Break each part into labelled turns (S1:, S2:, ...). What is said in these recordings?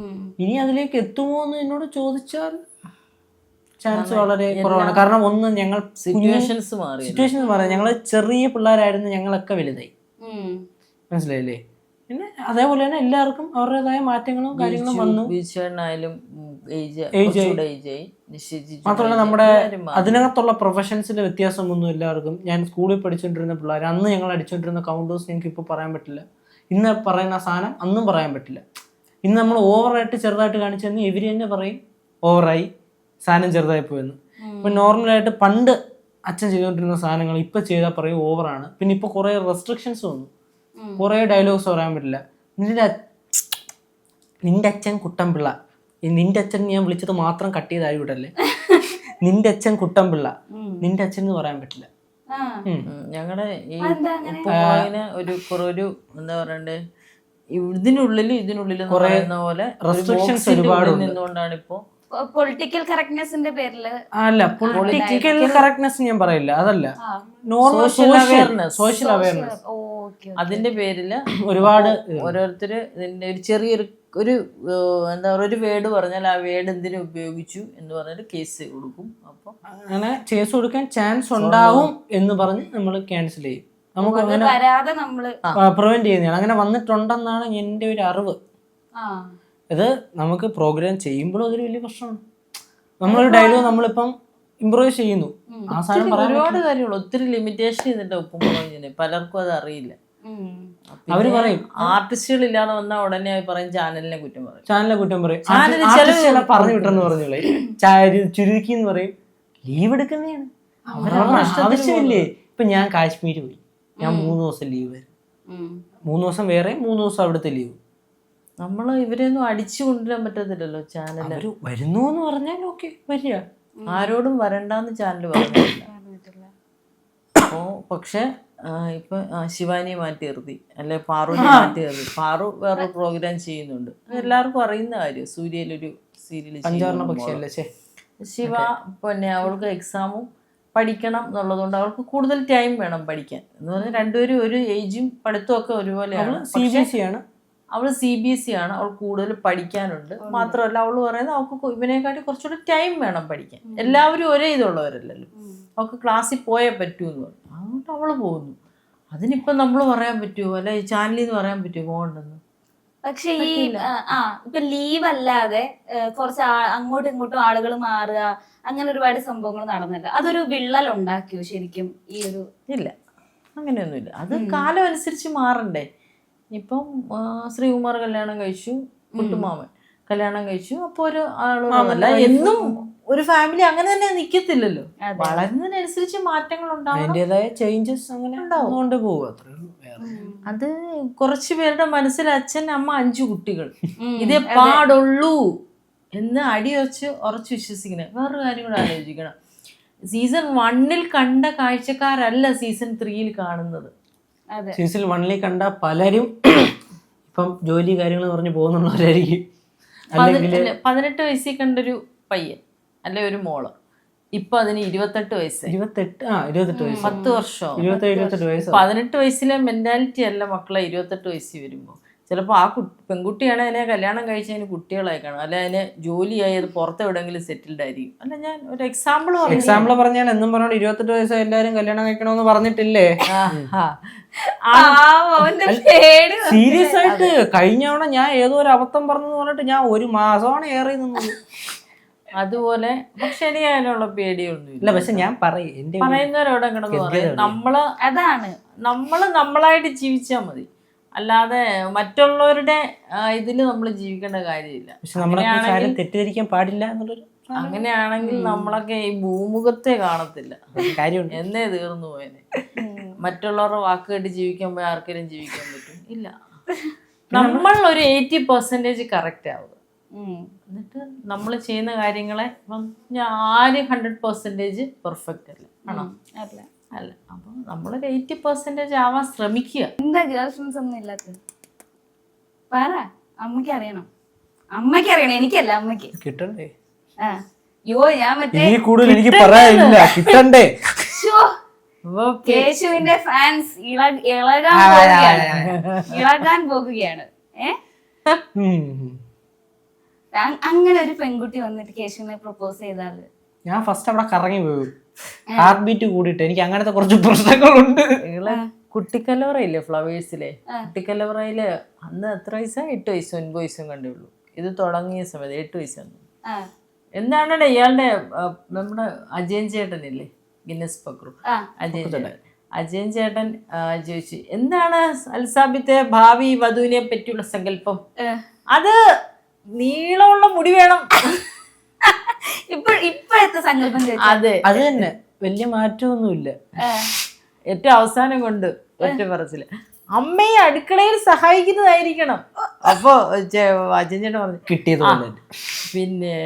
S1: ഇനി അതിലേക്ക് എത്തുമോ എന്ന് എന്നോട് ചോദിച്ചാൽ ചാൻസ് വളരെ കുറവാണ്. കാരണം ഒന്ന് ഞങ്ങൾ
S2: സിറ്റുവേഷൻസ്
S1: മാറി, ഞങ്ങൾ ചെറിയ പിള്ളേരായിരുന്നു, ഞങ്ങളൊക്കെ വലുതായി. മനസ്സിലായില്ലേ? പിന്നെ അതേപോലെ തന്നെ എല്ലാവർക്കും അവരുടേതായ മാറ്റങ്ങളും കാര്യങ്ങളും വന്നു. മാത്രമല്ല നമ്മുടെ അതിനകത്തുള്ള പ്രൊഫഷൻസിന്റെ വ്യത്യാസമൊന്നും എല്ലാവർക്കും. ഞാൻ സ്കൂളിൽ പഠിച്ചുകൊണ്ടിരുന്ന പിള്ളേർ, അന്ന് ഞങ്ങൾ അടിച്ചുകൊണ്ടിരുന്ന കൗണ്ടേഴ്സ് ഞങ്ങൾക്ക് ഇപ്പോൾ പറയാൻ പറ്റില്ല. ഇന്ന് പറയുന്ന സാധനം അന്നും പറയാൻ പറ്റില്ല. ഇന്ന് നമ്മൾ ഓവറായിട്ട് ചെറുതായിട്ട് കാണിച്ചു തന്നെ ഇവർ തന്നെ പറയും ഓവറായി, സാധനം ചെറുതായി പോയെന്ന്. ഇപ്പം നോർമലായിട്ട് പണ്ട് അച്ഛൻ ചെയ്തുകൊണ്ടിരുന്ന സാധനങ്ങൾ ഇപ്പം ചെയ്താൽ പറയും ഓവറാണ്. പിന്നെ ഇപ്പോൾ കുറേ റെസ്ട്രിക്ഷൻസ് വന്നു, കുറേ ഡയലോഗ്സ് പറയാൻ പറ്റില്ല. നിന്റെ അച്ഛൻ കുട്ടൻപിള്ള, നിന്റെ അച്ഛൻ ഞാൻ വിളിച്ചത് മാത്രം കട്ട് ചെയ്തായി വിടല്ലേ. നിന്റെ അച്ഛൻ കുട്ടൻപിള്ള, നിന്റെ അച്ഛൻ എന്ന് പറയാൻ പറ്റില്ല.
S2: ഞങ്ങളുടെ ഈ ഒരു എന്താ പറയണ്ടേ, ഇതിനുള്ളിൽ പറയുന്ന പോലെ
S1: റെസ്ട്രിക്ഷൻസ് ഒരുപാട്
S2: നിന്നുകൊണ്ടാണ് ഇപ്പോ
S3: പൊളിറ്റിക്കൽ കറക്റ്റ്നെസിന്റെ പേരില്.
S1: അല്ല, പൊളിറ്റിക്കൽ കറക്റ്റ്നെസ് ഞാൻ പറയില്ല, അതല്ല, നോർമൽ സോഷ്യൽ അവയർനെസ്.
S2: അതിന്റെ പേരില്
S1: ഒരുപാട്
S2: ഓരോരുത്തര് ഇതിന്റെ ഒരു ചെറിയൊരു എന്താ പറയുക, ഒരു വേർഡ് പറഞ്ഞാൽ ആ വേർഡ് എന്തിനു ഉപയോഗിച്ചു എന്ന് പറഞ്ഞിട്ട് കേസ് കൊടുക്കും. അപ്പൊ
S1: അങ്ങനെ കേസ് കൊടുക്കാൻ ചാൻസ് ഉണ്ടാവും എന്ന് പറഞ്ഞ് നമ്മൾ ക്യാൻസൽ ചെയ്യും. നമുക്ക് അങ്ങനെ പ്രിവെന്റ് ചെയ്യുന്നതാണ്. അങ്ങനെ വന്നിട്ടുണ്ടെന്നാണ് എൻ്റെ ഒരു അറിവ്. ഇത് നമുക്ക് പ്രോഗ്രാം ചെയ്യുമ്പോഴും അതൊരു വലിയ പ്രശ്നമാണ്. നമ്മളൊരു ഡയലോഗ് നമ്മളിപ്പം ഇംപ്രൂവൈസ് ചെയ്യുന്നു, ആ സാധനം പറയാൻ
S2: ഒരുപാട് കാര്യങ്ങൾ ഒത്തിരി ലിമിറ്റേഷൻ ചെയ്തിട്ട് ഒപ്പം പലർക്കും അത് അറിയില്ല.
S1: അവര് പറയും
S2: ആർട്ടിസ്റ്റുകൾ ഇല്ലാതെ വന്നാൽ ഉടനെ പറയും ചാനലിനെ കുറ്റം പറയും,
S1: പറഞ്ഞു വിട്ടെന്ന് പറഞ്ഞോളെ, ചുരുക്കി എന്ന് പറയും. ലീവ് എടുക്കുന്നതാണ് ആവശ്യമില്ലേ. ഇപ്പൊ ഞാൻ കാശ്മീർ പോയി, ഞാൻ 3 ദിവസം ലീവ് വരും, 3 ദിവസം വേറെ, 3 ദിവസം അവിടുത്തെ ലീവ്.
S2: നമ്മള് ഇവരെയൊന്നും അടിച്ചു കൊണ്ടുവരാൻ പറ്റത്തില്ലല്ലോ. ചാനൽ
S1: വരുന്നു എന്ന് പറഞ്ഞാൽ ഓക്കെ വരിക,
S2: ആരോടും വരണ്ടെന്ന് ചാനൽ പറഞ്ഞിട്ടില്ല. അപ്പോ പക്ഷെ ഇപ്പൊ ശിവാനിയെ മാറ്റി നിർത്തി, അല്ലെ പാറുവിനെ മാറ്റി നിർത്തി. പാറു വേറൊരു പ്രോഗ്രാം ചെയ്യുന്നുണ്ട്, എല്ലാവർക്കും അറിയുന്ന കാര്യം. സൂര്യയിലൊരു സീരിയൽ ശിവ പിന്നെ അവൾക്ക് എക്സാമും പഠിക്കണം എന്നുള്ളതുകൊണ്ട് അവൾക്ക് കൂടുതൽ ടൈം വേണം പഠിക്കാൻ. എന്ന് പറഞ്ഞാൽ രണ്ടുപേരും ഒരു ഏജും പഠിത്തവും ഒക്കെ ഒരുപോലെയാണ്. അവൾ CBSE ആണ്, അവൾ കൂടുതൽ പഠിക്കാനുണ്ട്. മാത്രമല്ല അവൾ പറയുന്നത് അവൾക്ക് ഇവനെക്കാട്ടി കുറച്ചുകൂടി ടൈം വേണം പഠിക്കാൻ. എല്ലാവരും ഒരേ ഇതുള്ളവരല്ലല്ലോ, അവൾക്ക് ക്ലാസ്സിൽ പോയേ പറ്റൂ എന്ന് പറഞ്ഞു. അതുകൊണ്ട് അവൾ പോകുന്നു. അതിനിപ്പം നമ്മൾ പറയാൻ പറ്റുമോ, അല്ലെ ചാനലിൽ നിന്ന് പറയാൻ പറ്റുമോ പോകണ്ടെന്ന്?
S3: പക്ഷെ ഈ ഇപ്പൊ ലീവ് അല്ലാതെ കുറച്ച് അങ്ങോട്ടും ഇങ്ങോട്ടും ആളുകൾ മാറുക, അങ്ങനെ ഒരുപാട് സംഭവങ്ങൾ നടന്നില്ല. അതൊരു വിള്ളൽ ഉണ്ടാക്കിയോ ശരിക്കും ഈ ഒരു?
S2: ഇല്ല, അങ്ങനെയൊന്നുമില്ല. അത് കാലം അനുസരിച്ച് മാറണ്ടേ. ഇപ്പം ശ്രീകുമാർ കല്യാണം കഴിച്ചു, കുട്ടുമാമൻ കല്യാണം കഴിച്ചു. അപ്പൊ ഒരു ആളോടല്ല എന്നും ഒരു ഫാമിലി അങ്ങനെ തന്നെ നിക്കത്തില്ലല്ലോ. വളരുന്നതിനനുസരിച്ച് മാറ്റങ്ങൾ ഉണ്ടാവും,
S1: ചേഞ്ചസ് അങ്ങനെ ഉണ്ടാവും.
S2: അത് കുറച്ചു പേരുടെ മനസ്സിൽ അച്ഛൻ അമ്മ 5 കുട്ടികൾ ഇതേ പാടുള്ളൂ എന്ന് ഉറച്ചു വിശ്വസിക്കുന്നത്. വേറൊരു കാര്യം കൂടെ ആലോചിക്കണം, സീസൺ 1 കണ്ട കാഴ്ചക്കാരല്ല സീസൺ 3 കാണുന്നത്.
S1: സീസൺ 1 കണ്ട പലരും ഇപ്പം ജോലി കാര്യങ്ങൾ പറഞ്ഞ് പോകുന്നുള്ളവരായിരിക്കും.
S2: 18 വയസ്സിൽ കണ്ടൊരു പയ്യൻ അല്ലെ ഒരു മോള്, ഇപ്പൊ അതിന് 28 വയസ്സ്. 10 വർഷം. 18 വയസ്സിലെ മെന്റാലിറ്റി അല്ല മക്കളെ 28 വയസ്സിൽ വരുമ്പോ. ചിലപ്പോ ആ പെൺകുട്ടിയാണ് അതിനെ കല്യാണം കഴിച്ചതിന് കുട്ടികളായി കാണും, അല്ലെ അതിന് ജോലിയായി അത് പുറത്തെവിടെങ്കിലും സെറ്റിൽഡ് ആയിരിക്കും. അല്ല, ഞാൻ ഒരു എക്സാമ്പിൾ
S1: പറഞ്ഞാൽ എന്നും പറഞ്ഞോണ്ട് 28 വയസ്സ് എല്ലാരും കല്യാണം കഴിക്കണമെന്ന് പറഞ്ഞിട്ടില്ലേ? സീരിയസ് ആയിട്ട് കഴിഞ്ഞ തവണ ഞാൻ ഏതോ ഒരു അബദ്ധം പറഞ്ഞെന്ന് പറഞ്ഞിട്ട് ഞാൻ 1 മാസമാണ് ഏറെ നിന്നത്.
S2: അതുപോലെ പക്ഷെ എനിക്ക് അതിനുള്ള പേടിയൊന്നും ഇല്ല.
S1: പക്ഷെ ഞാൻ
S2: പറയുന്നവരോടെ കിടന്ന് പറയും, നമ്മള് നമ്മളായിട്ട് ജീവിച്ചാൽ മതി, അല്ലാതെ മറ്റുള്ളവരുടെ ഇതില് നമ്മൾ ജീവിക്കേണ്ട കാര്യമില്ല.
S1: തെറ്റിദ്ധരിക്കാൻ പാടില്ല എന്നുള്ളൊരു.
S2: അങ്ങനെയാണെങ്കിൽ നമ്മളൊക്കെ ഈ ഭൂമുഖത്തെ കാണത്തില്ല, കാര്യം എന്നേ തീർന്നു പോയനെ. മറ്റുള്ളവരുടെ വാക്ക് കേട്ട് ജീവിക്കാൻ പോയി ആർക്കെങ്കിലും ജീവിക്കാൻ പറ്റും? ഇല്ല. നമ്മൾ ഒരു 80% കറക്റ്റ് ആവുക, എന്നിട്ട് നമ്മൾ ചെയ്യുന്ന കാര്യങ്ങളെ ആരും 100% പെർഫെക്റ്റ് അല്ല, ആണോ? അല്ല. അപ്പൊ നമ്മളൊരു 80% ആവാൻ ശ്രമിക്കുക.
S3: എന്താ ഗേൾ ഫ്രണ്ട്സ് ഒന്നും ഇല്ലാത്തത്? പറ, അമ്മയ്ക്ക് അറിയണം, എനിക്കല്ല, അമ്മയ്ക്ക് കിട്ടണ്ടേ? ഞാൻ മറ്റേ കൂടുതൽ എനിക്ക് പറയാനില്ല, കിട്ടണ്ടേ? കേശുവിന്റെ ഫാൻസ് ഇളകാൻ പോകുകയാണ്. അങ്ങനെ ഒരു പെൺകുട്ടി വന്നിട്ട് കേശുവിനെ പ്രപ്പോസ് ചെയ്താല്
S1: ഞാൻ ഫസ്റ്റ് അവിടെ കറങ്ങി പോകും, ഹാർട്ട് ബീറ്റ് കൂടിയിട്ട്. എനിക്ക് അങ്ങനത്തെ കുറച്ച് പ്രശ്നങ്ങളുണ്ട്.
S2: നിങ്ങളെ കുട്ടിക്കലവറയില്ലേ ഫ്ലവേഴ്സിലെ, കുട്ടിക്കലവറയില് അന്ന് എത്ര വയസ്സാ, 8 വയസ്സും 9 വയസ്സും കണ്ടേ ഉള്ളൂ. ഇത് തുടങ്ങിയ സമയത്ത് 8 വയസ്സാണ്. എന്താണ് ഇയാളുടെ നമ്മുടെ അജയൻ ചേട്ടനില്ലേ, ഗിന്നസ് പക്രു, അജയൻ ചേട്ടൻ ചോദിച്ചു എന്താണ് അൽസാബിത്തെ ഭാവി വധുവിനെ പറ്റിയുള്ള സങ്കല്പം? അത് നീളമുള്ള മുടി വേണം.
S3: ഇപ്പോഴത്തെ സങ്കല്പം.
S2: അതെ,
S1: അത് തന്നെ, വലിയ മാറ്റമൊന്നുമില്ല.
S2: ഏറ്റവും അവസാനം കൊണ്ട് ഒറ്റ പറച്ചില് അമ്മയെ അടുക്കളയിൽ സഹായിക്കുന്നതായിരിക്കണം. അപ്പൊ അജയൻ ചേട്ടൻ പറഞ്ഞു
S1: കിട്ടിയത്
S2: പിന്നെ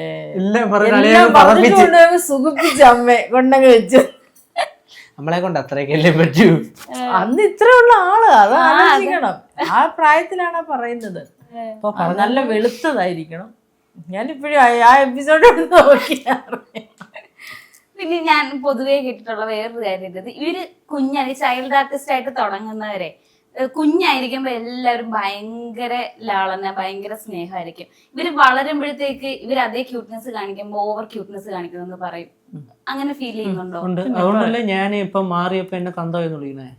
S2: സുഖിപ്പിച്ച അമ്മയെ കൊണ്ടങ്ങ് വെച്ചു.
S1: നമ്മളെ കൊണ്ട് അത്രയൊക്കെ പറ്റൂ.
S2: അന്ന് ഇത്ര ഉള്ള ആള്, അത് ആലോചിക്കണം. ആ പ്രായത്തിലാണ് പറയുന്നത്. നല്ല വെളുത്തതായിരിക്കണം. ഞാനിപ്പോഴും ആ എപ്പിസോഡ് നോക്കിയാറ്.
S3: പിന്നെ ഞാൻ പൊതുവേ കേട്ടിട്ടുള്ള വേറൊരു കാര്യം, ഇവര് ചൈൽഡ് ആർട്ടിസ്റ്റ് ആയിട്ട് തുടങ്ങുന്നവരെ കുഞ്ഞായിരിക്കുമ്പോ എല്ലാവരും ഭയങ്കര ലാളന, ഭയങ്കര സ്നേഹമായിരിക്കും. ഇവര് വളരുമ്പോഴത്തേക്ക് ഇവർ അതേ ക്യൂട്ട്നെസ് കാണിക്കുമ്പോ ഓവർ ക്യൂട്ട്നെസ് കാണിക്കുന്നെന്ന് പറയും. അങ്ങനെ ഫീൽ ചെയ്യുന്നുണ്ടോ?
S1: അതുകൊണ്ടല്ലേ ഞാൻ ഇപ്പൊ മാറിയപ്പോ എന്നെ തന്തയെന്ന് വിളിക്കണേ.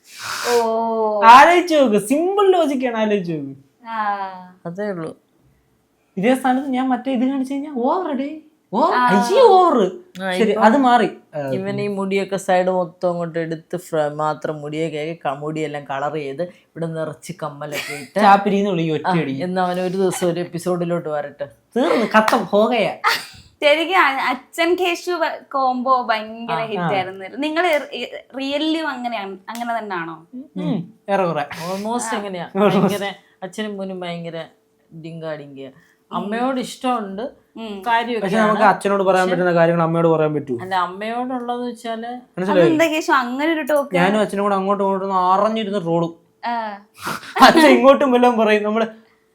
S1: ആലോചിച്ച് നോക്ക്, സിമ്പിൾ ലോജിക്കാണ്. ആലോചിച്ച് നോക്ക്,
S2: അതേ ഉള്ളൂ.
S1: ഇതേ സ്ഥാനത്ത് ഞാൻ മറ്റേ ഇത് കാണിച്ചു കഴിഞ്ഞാൽ ഓവറടേ, ഓവർ. ശരി, അത് മാറി.
S2: ഇവൻ ഈ മുടിയൊക്കെ സൈഡ് മൊത്തം അങ്ങോട്ട് എടുത്ത് മാത്രം മുടിയൊക്കെ മുടിയെല്ലാം കളർ ചെയ്ത് ഇവിടെ നിറച്ച് കമ്മലൊക്കെ ഇട്ട്
S1: ചാപ്പിരിന്ന് വിളിക്കും ഒറ്റയടി.
S2: എന്ന് അവൻ ഒരു ദിവസം ഒരു എപ്പിസോഡിലോട്ട് വരട്ടെ.
S1: തീർന്ന് കത്തം ഹോകയാ.
S3: ശരിക്കും അച്ഛൻ കേശു കോംബോ ഭയങ്കര ഹിറ്റ് ആയിരുന്നു. നിങ്ങൾ റിയലിലും അങ്ങനെ തന്നെയാണോ?
S2: ഓൾമോസ്റ്റ് എങ്ങനെയാ, ഭയങ്കര അച്ഛനും മോനും ഭയങ്കര ഡിങ്കാ. അമ്മയോട് ഇഷ്ടമുണ്ട്,
S1: പക്ഷെ നമുക്ക് അച്ഛനോട് പറയാൻ പറ്റുന്ന കാര്യങ്ങൾ അമ്മയോട് പറയാൻ പറ്റൂ.
S2: അല്ല, അമ്മയോടുള്ളത് വെച്ചാല്
S3: അങ്ങനെ ഒരു ടോക്ക്
S1: ഞാനും അച്ഛനും കൂടെ അങ്ങോട്ടും ഇങ്ങോട്ടും അറിഞ്ഞിരുന്ന റോഡും. അച്ഛൻ ഇങ്ങോട്ടും വല്ലതും പറയും, നമ്മള്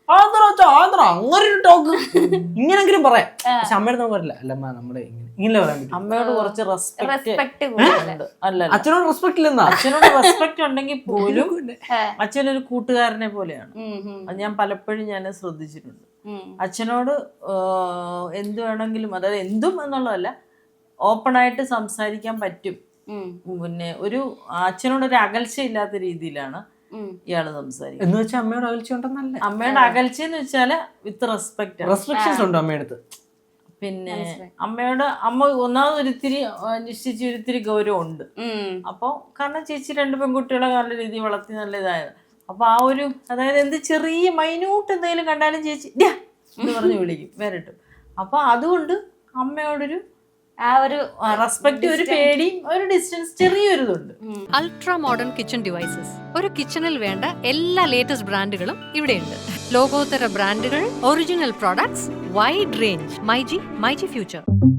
S1: അങ്ങനെ ഒരു ടോക്ക് ഇങ്ങനെങ്കിലും പറയാം. പക്ഷെ അമ്മയോട് നമുക്ക് പറയില്ല. അല്ലമ്മ നമ്മുടെ ഇങ്ങനെ പറയാൻ പറ്റും.
S2: അമ്മയോട് കുറച്ച് റെസ്പെക്ട് ഉണ്ട്. അല്ല,
S1: അച്ഛനോട് റെസ്പെക്ട് ഇല്ലെന്നാ.
S2: അച്ഛനോട് റെസ്പെക്ട് ഉണ്ടെങ്കിൽ പോലും അച്ഛനൊരു കൂട്ടുകാരനെ പോലെയാണ്. അത് ഞാൻ പലപ്പോഴും ഞാൻ ശ്രദ്ധിച്ചിട്ടുണ്ട്. അച്ഛനോട് എന്ത് വേണമെങ്കിലും, അതായത് എന്തും എന്നുള്ളതല്ല, ഓപ്പണായിട്ട് സംസാരിക്കാൻ പറ്റും. പിന്നെ ഒരു അച്ഛനോടൊരു അകൽച്ച ഇല്ലാത്ത രീതിയിലാണ് ഇയാള് സംസാരിക്കുന്നത്.
S1: എന്ന് വെച്ചാൽ അമ്മയോട് അകൽച്ച ഉണ്ടെന്നല്ല,
S2: അമ്മയുടെ അകൽച്ച എന്ന് വെച്ചാല് വിത്ത് റെസ്പെക്ട്,
S1: റെസ്ട്രിക്ഷൻസ് ഉണ്ട് അമ്മയടുത്ത്.
S2: പിന്നെ അമ്മയോട് അമ്മ ഒന്നാമത് ഒരിത്തിരി നിശ്ചയിച്ച് ഒരിത്തിരി ഗൗരവം ഉണ്ട്. അപ്പൊ കാരണം ചേച്ചി 2 പെൺകുട്ടികളെ നല്ല രീതിയിൽ വളർത്തി നല്ല ഇതായത്. അപ്പൊ ആ ഒരു, അതായത് എന്ത് ചെറിയ മൈന്യൂട്ട് എന്തെങ്കിലും കണ്ടാലും ചേച്ചി എന്ന് പറഞ്ഞ് വിളിക്കും വരട്ടും. അപ്പൊ അതുകൊണ്ട് അമ്മയോടൊരു ആ ഒരു റെസ്പെക്ട്, ഒരു പേടിയും ഒരു ഡിസ്റ്റൻസ്, ചെറിയൊരു ഇതുണ്ട്.
S4: Ultra modern kitchen devices. ഒരു കിച്ചണിൽ വേണ്ട എല്ലാ ലേറ്റസ്റ്റ് ബ്രാൻഡുകളും ഇവിടെയുണ്ട്. ലോകോത്തര ബ്രാൻഡുകൾ, original products, wide range. MyG future.